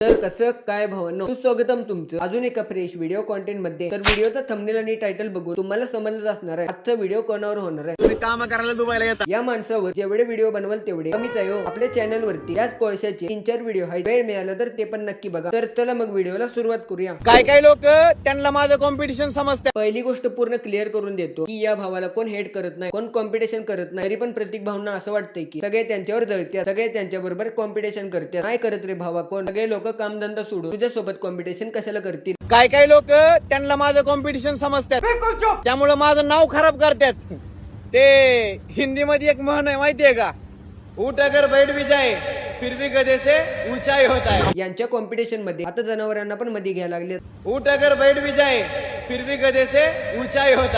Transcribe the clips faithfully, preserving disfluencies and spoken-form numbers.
तर कसं काय भावांनो, सुस्वागतम तुमचं अजून एका फ्रेश व्हिडिओ कॉन्टेंट मध्ये। तर व्हिडिओचा थंबनेल आणि टायटल बघून तुम्हाला समजलंच असणार आहे आजचा व्हिडिओ कोणावर होणार आहे। तुम्ही काम करायला दुबईला येता या माणसावर जेवढे व्हिडिओ बनवाल तेवढे कमीच आहे हो। आपल्या चॅनल वरती याच कोळशाचे तीन चार व्हिडिओ आहेत, वेळ मिळाला तर ते पण नक्की बघा। तर चला मग व्हिडिओला सुरुवात करूया। काय काय लोक त्यांना माझं कॉम्पिटिशन समजतात। पहिली गोष्ट पूर्ण क्लिअर करून देतो की या भावाला कोण हेट करत नाही, कोण कॉम्पिटिशन करत नाही। तरी पण प्रत्येक भावना असं वाटतंय की सगळे त्यांच्यावर जळतात, सगळे त्यांच्या बरोबर कॉम्पिटिशन करतात। नाही करत रे भावा, कोण सगळे लोक कामधंदा सोडून तुझ्या सोबत कॉम्पिटिशन कशाला करतील। काय काय लोक त्यांना माझं कॉम्पिटिशन समजतात, त्यामुळे माझं नाव खराब करतात। ते हिंदी मध्ये एक म्हण आहे माहितीये का, उठ अगर बैठ भी जाए फिर भी गधे से ऊंचाई होता है। यांच्या कॉम्पिटिशन मध्ये आता जनावरांना पण मध्ये घ्यायला लागले। उठ अगर बैठ भी जाए फिर भी गधे से ऊंचाई होता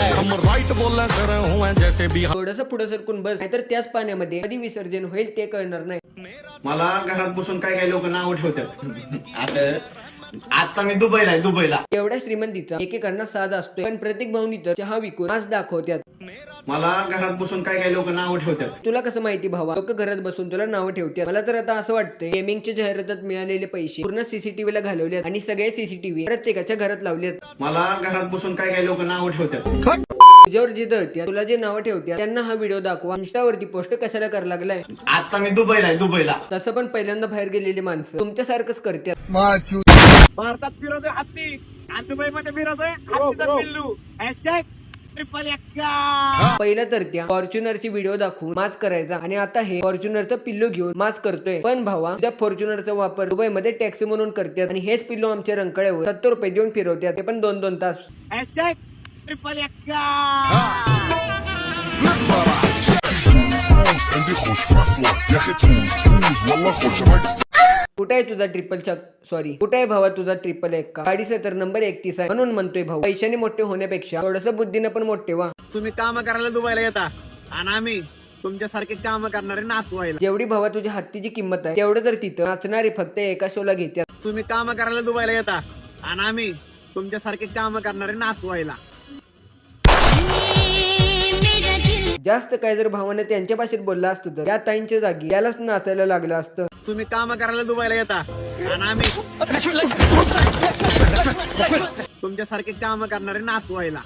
है। थोडस पुढे सरकून बस, नाहीतर त्याच पाण्यामध्ये कधी विसर्जन होईल ते कळणार नाही। मला घरात बसून काय काय लोक नाव ठेवतात। आता आता मी दुबईला आहे दुबईला एवढ्या श्रीमंतीचा एकेकांना साज असतोय, पण प्रत्येक भावनी तर चहा विकून आज दाखवतात। मला घरात बसून काय काय लोक नाव ठेवतात। तुला कसं माहिती भावा, लोक घरात बसून तुला नाव ठेवतात। मला तर आता असं वाटतंय गेमिंगच्या जाहिरातात मिळालेले पैसे पूर्ण सीसीटीव्ही ला घालवलेत आणि सगळे सीसीटीव्ही प्रत्येकाच्या घरात लावलेत। मला घरात बसून काय काय लोक नाव ठेवतात। तुझ्यावर जे जळत्या, तुला जे नाव ठेवत्या त्यांना हा व्हिडिओ दाखवा। इंस्टावरती पोस्ट कशाला करायला लागलाय। आता मी दुबईला आहे दुबईला तसं पण पहिल्यांदा बाहेर गेलेली माणसं तुमच्यासारखंच करतात। भारतात फिरतोय हत्ती आणि दुबईमध्ये फिरतोय हत्तीचा पिल्लू। हॅशटॅग ट्रिपल एक्का। पहिला तर त्या फॉर्च्युनरची व्हिडिओ दाखवून माच करायचा आणि आता हे फॉर्च्युनरचं पिल्लू घेऊन माच करतोय। पण भावा, त्या फॉर्च्युनरचा वापर दुबईमध्ये टॅक्सी म्हणून करतात आणि हेच पिल्लू आमच्या रंकाळ्यावर सत्तर रुपये देऊन फिरवतात, ते पण दोन दोन तास। हॅशटॅग ट्रिपल एक्का। कुठे आहे तुझा ट्रिपल चक सॉरी कुठे आहे भावा तुझा ट्रिपल एक का गाडीचा तर नंबर एकतीस आहे। म्हणून म्हणतोय भाऊ, पैशाने मोठे होण्यापेक्षा थोडस बुद्धीनं पण मोठे व्हा। तुम्ही काम करायला दुबईला येता आणि आम्ही तुमच्यासारखे काम करणारे नाचवायला। जेवढी भावा तुझ्या हत्तीची किंमत आहे तेवढं तर तिथं नाचणारे फक्त एका शोला घेतात। तुम्ही काम करायला दुबईला येता आणि आम्ही तुमच्यासारखे काम करणारे नाचवायला। जास्त काय जर भावानं त्यांच्या भाषेत बोलला असतं तर या ताईंच्या जागी यालाच नाचायला लागलं असतं। तुम्ही काम करायला दुबईला येता आणि आम्ही तुमच्यासारखे काम करणारे नाचवायला।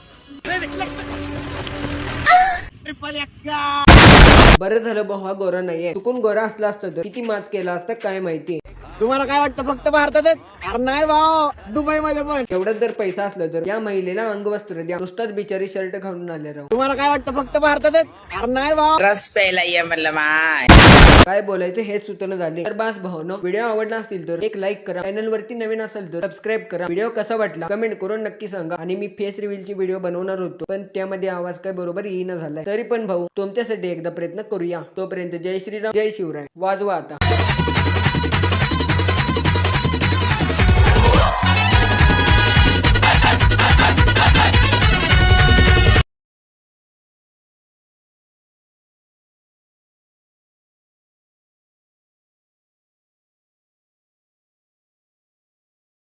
ट्रिपल एक्का। बरं झालं भाऊ हा गोरा नाहीये, चुकून गोरा असला असतं तर किती माच केला असता काय माहिती। तुम्हाला काय वाटतं फक्त भारतातच? अरे नाही भाऊ, दुबई मध्ये पण। एवढंच जर पैसा असला तर या महिलेला अंगवस्त्र द्या, नुसताच बिचारी शर्ट घालून आले राव। तुम्हाला काय वाटतं फक्त भारतातच? अरे नाही भाऊ, रस प्यायला ये म्हणलं माय। काय बोलायचं हेच सुचना झाले। तर बस भावनो, व्हिडिओ आवडला असतील तर एक लाईक करा, चॅनल वरती नवीन असेल तर सबस्क्राईब करा। व्हिडिओ कसा वाटला कमेंट करून नक्की सांगा। आणि मी फेस रिव्हीलची व्हिडिओ बनवणार होतो, पण त्यामध्ये आवाज काय बरोबर येईना झालाय। तरी पण भाऊ तुमच्यासाठी एकदा प्रयत्न करूया। तोपर्यंत जय श्रीराम, जय शिवराय, वाजवा आता।